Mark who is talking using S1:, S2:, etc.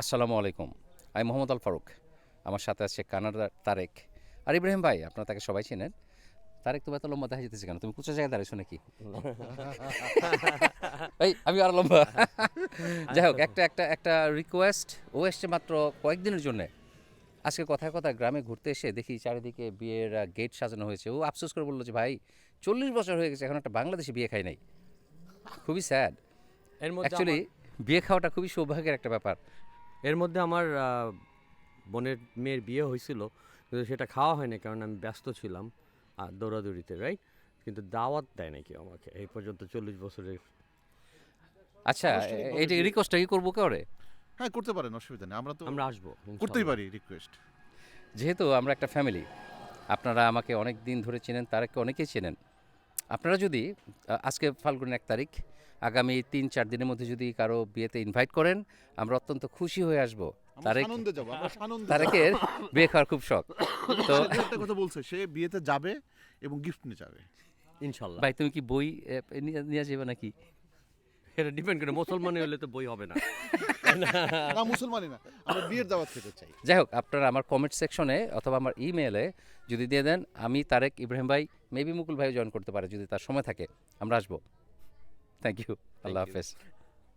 S1: আসসালামু আলাইকুম। আমি মোহাম্মদ আল ফারুক। আমার সাথে আছে কানাডার তারেক। আর ইব্রাহিম ভাই, আপনারা তাকে সবাই চেনেন। তারেক, তুমি এত লম্বা দেখা যেতেছে কেন? তুমি কুচা জায়গায় দাঁড়িয়েছো নাকি? এই আমি আরো লম্বা। যাই হোক, একটা একটা একটা রিকোয়েস্ট। ও এসছে মাত্র কয়েকদিনের জন্যে। আজকে কথায় কথায় গ্রামে ঘুরতে এসে দেখি চারিদিকে বিয়ের গেট সাজানো হয়েছে। ও আফসোস করে বললো যে ভাই, 40 বছর হয়ে গেছে, এখন একটা বাংলাদেশি বিয়ে খাই নাই। খুবই স্যাড।
S2: এর মধ্যে
S1: অ্যাকচুয়ালি
S2: আমার
S1: বিয়ে খাওয়াটা খুবই সৌভাগ্যের একটা ব্যাপার।
S2: এর মধ্যে আমার বোনের মেয়ের বিয়ে হয়েছিল, কিন্তু সেটা খাওয়া হয়নি কারণ আমি ব্যস্ত ছিলাম দৌড়াদৌড়িতে, রাইট? কিন্তু দাওয়াত দেয় নাকি আমাকে এই পর্যন্ত 40 বছরের।
S1: আচ্ছা,
S3: আনুষ্ঠানিকভাবে
S1: এইটা
S3: বিয়ে
S1: রিকোয়েস্টটা কি করবো করে?
S3: হ্যাঁ, করতে পারেন, অসুবিধা নেই। আমরা তো
S2: আমরা আসবো
S3: করতেই
S2: ইনশাল্লাহ।
S3: পারি রিকোয়েস্ট।
S1: যেহেতু আমরা একটা ফ্যামিলি, আপনারা আমাকে অনেক দিন ধরে চেনেন, তারাকে অনেকেই চেনেন। আপনারা যদি আজকে ফাল্গুনের 1 তারিখ, আগামী 3-4 দিনের মধ্যে যদি কারো বিয়েতে ইনভাইট করেন, আমরা অত্যন্ত খুশি হয়ে আসব।
S3: আমরা
S1: তারেক
S3: সানন্দে যাব, আমরা সানন্দে যাব।
S1: তারেকের বিয়ে খাওয়ার খুব শখ। তো
S3: তারেক ভাই একটা কথা বলছে, সে বিয়েতে যাবে এবং গিফট নিয়ে যাবে।
S2: ইনশাল্লাহ
S1: ভাই, তুমি কি বই নিয়ে যাবে নাকি?
S2: এটা ডিপেন্ড করে, মুসলমানি হলে তো বই হবে না।
S3: না, মুসলমানই না, আমরা বিয়ের দাওয়াত খেতে চাই।
S1: যাই হোক, আপনারা আমার কমেন্ট সেকশনে অথবা আমার ইমেলে যদি দিয়ে দেন, আমি তারেক, ইব্রাহিম ভাই, মেবি মুকুল ভাই জয়েন করতে পারে যদি তার সময় থাকে। আমরা আসবো। Thank you. আল্লাহ
S2: you.
S1: হাফেজ।